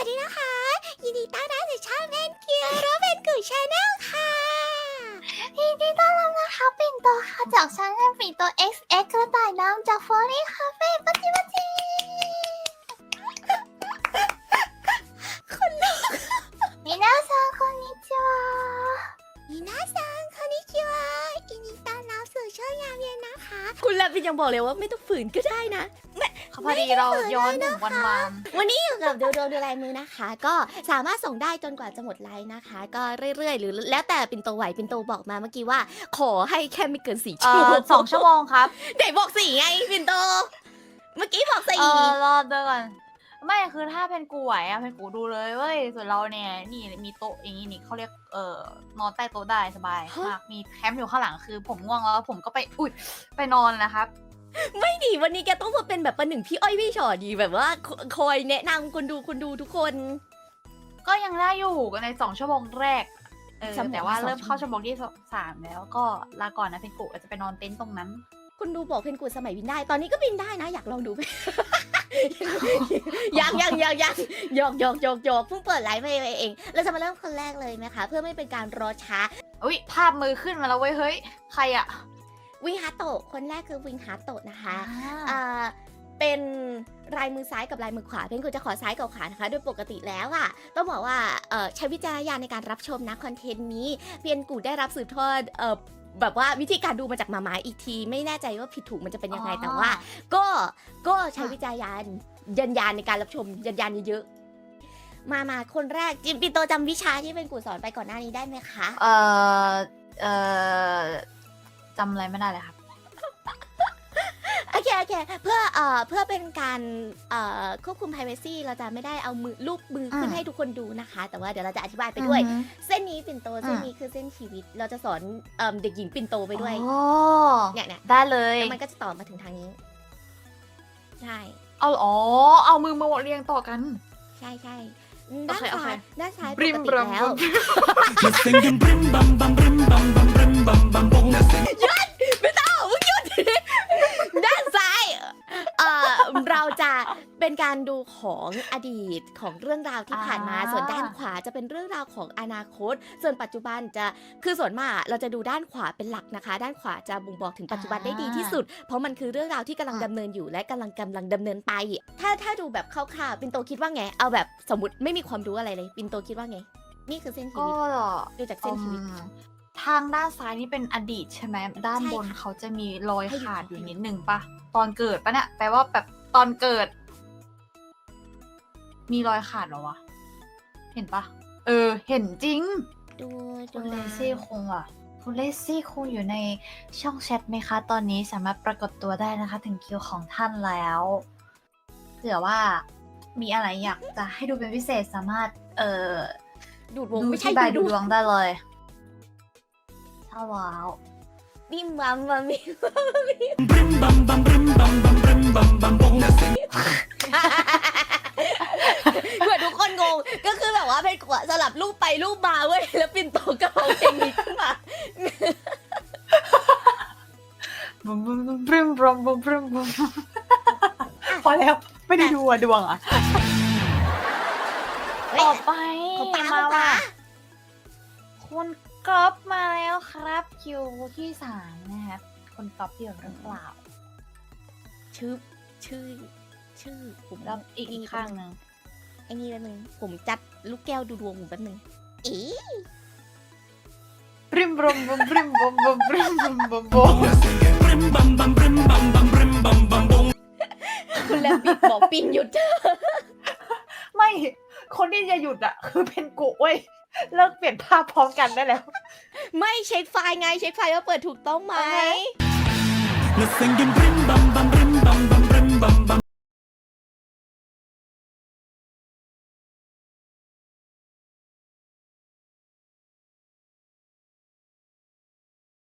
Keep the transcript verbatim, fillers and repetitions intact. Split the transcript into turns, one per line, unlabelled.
วัสดีนะคะยินดีต้อนรับสู่ช่องแอนเกียร์และเป็นกุยชาแนลค่ะยินดีต้อนรับนะคะปิ่นโตค่ะจากช่องแอนปิ่นโต เอ็กซ์ เอ็กซ์ กระต่ายน้ำจากฟอรี่คาเฟ่ปฏิบัติคนลุกมินาซังこんにちはมินาซังこんにちはยินดีต้อนรับสู่ช่องยามเย็นนะคะคุณแลบยังบอกเลยว่าไม่ต้องฝืนก็ได้นะ
พอดีเราย้อนถึงวันวาน
วันนี้อยู่กับดูดวงดูลายมือนะคะก็สามารถส่งได้จนกว่าจะหมดไลน์นะคะก็เรื่อยๆหรือแล้วแต่ปินโตไหวปินโตบอกมาเมื่อกี้ว่าขอให้แค่ไม่เกินสี่ชั่วโมง
สองชั่วโมงครับ
เด็กบอกสี่ไงปินโตเมื่อกี้บอกสี่
เออรอเดี๋ยวก่อนไม่คือถ้าเพนกูไหวอะเพนกูดูเลยเว้ยส่วนเราเนี่ยนี่มีโต๊ะอย่างนี้นี่เขาเรียกเอ่อนอนใต้โต๊ะได้สบายมากมีแคมป์อยู่ข้างหลังคือผมง่วงแล้วผมก็ไปอุ้ยไปนอนนะครับ
ไม่ดีวันนี้แกต้องมาเป็นแบบประหนึ่งพี่อ้อยพี่ชอดีแบบว่าคอยแนะนำคนดูคนดูทุกคน
ก็ยังได้อยู่ในสองชั่วโมงแรกเออแต่ว่าเริ่มเข้าชั่วโมงที่สามแล้วก็ลาก่อนนะเพนกูอาจจะไปนอนเต็นท์ตรงนั้น
คุณดูบอกเพนกูสมัยบินได้ตอนนี้ก็บินได้นะอยากลองดูไหมยังยังยังยังหยอกหยอกหยอกหยอกเพิ่งเปิดไลฟ์ไปเองเราจะมาเริ่มคนแรกเลยไหมคะเพื่อไม่เป็นการรอช้า
อุ้ยภาพมือขึ้นมาแล้วเว้ยเฮ้ยใครอะ
วิงฮาโตะคนแรกคือวิงฮาโตะนะคะอ่าเป็นลายมือซ้ายกับลายมือขวาเพนกูจะขอซ้ายกับขวานะคะโดยปกติแล้วอ่ะต้องบอกว่าเอ่อใช้วิจารณญาณในการรับชมนะคอนเทนต์นี้เพนกูได้รับสืบทอดเอ่อแบบว่าวิธีการดูมาจากหมาหมาอีกทีไม่แน่ใจว่าผิดถูกมันจะเป็นยังไงแต่ว่าก็ก็ใช้วิจารณญาณยันยานในการรับชมยันยานเยอะๆมามาคนแรกจิมปิโตจำวิชาที่เป็นกูสอนไปก่อนหน้านี้ได้ไหมคะ
เออเออจำอะไรไม่ได้เลยครับ
โอเคโอเคเพื่อเอ่อเพื่อเป็นการเอ่อควบคุม privacy เราจะไม่ได้เอามือรูปมือขึ้นให้ทุกคนดูนะคะแต่ว่าเดี๋ยวเราจะอธิบายไปด้วยเส้นนี้ปิ่นโตเส้นนี้คือเส้นชีวิตเราจะสอนเอ่อเด็กหญิงปิ่นโตไปด้วยเนี่ยเนี่ย
ได้เลย
แล้วมันก็จะต่อมาถึงทางนี้ใช่
เอาอ๋อเอามือมาเรียงต่อกัน
ใช่ใช่ด้านซ้ายด้านซ้ายปกติแล้วหยุดไม่ต้องมึงหยุดด้านซ้ายเอ่อเราจะเป็นการดูของอดีตของเรื่องราวที่ผ่านมาส่วนด้านขวาจะเป็นเรื่องราวของอนาคตส่วนปัจจุบันจะคือส่วนมากเราจะดูด้านขวาเป็นหลักนะคะด้านขวาจะบ่งบอกถึงปัจจุบันได้ดีที่สุดเพราะมันคือเรื่องราวที่กำลังดำเนินอยู่และกำลังกำลังดำเนินไปถ้าถ้าดูแบบคร่าวๆปินโตคิดว่าไงเอาแบบสมมติไม่มีความรู้อะไรเลยปินโตคิดว่าไงนี่คือเส้นชีวิตดูจากเส้นชีวิต
ทางด้านซ้ายนี่เป็นอดีตใช่ไหมด้านบนเขาจะมีรอยขาดอยู่นิดนึงปะตอนเกิดปะเนี่ยแปลว่าแบบตอนเกิดมีรอยขาดเหรอวะเห็นปะเออเห็นจริง
ดู
คุณเลซี่คงอ่ะคุณเลซี่คงอยู่ในช่องแชทไหมคะตอนนี้สามารถปรากฏตัวได้นะคะถึงคิวของท่านแล้วเผื่อว่ามีอะไรอยากจะให้ดูเป็นพิเศษสามารถเอ่อ
ดูดวง
ไม่ใช่ดูดวงได้เลยถ้าว้าว
บิมบัมบัมบิมบัมบัมเหมือนทุกคนงงก็คือแบบว่าเพนกวสลับรูปไปรูปมาเว้ยแล้วปินโตก็เอาเพลงนี้ขึ้นมา
บึมบึมบึมบึมบึมบึมบึมบึมพอแล้วไม่ได้ดูอะดวงอะต่อไปมาว่าคุณก๊อฟมาแล้วครับคิวที่สามนะครับคนก๊อฟเดี่ยวหรือเปล่า
ชื่อชื่อชื่อผม
แล้วอีกอีกข้างนึง
ไอ้นี่แป๊บนึงผมจัดลูกแก้วดูดวงผมแป๊บนึงอี
บริมบรมบรมบริมบรมบรมบริมบรมบรมบรม
คุณแล้วปิดบอกปินหยุด
ไม่คนที่จะหยุดอะคือเพนกุเว้ยเลิกเปลี่ยนภาพพร้อมกันได้แล้ว
ไม่เช็คไฟล์ไงเช็คไฟล์ว่าเปิดถูกต้องไหม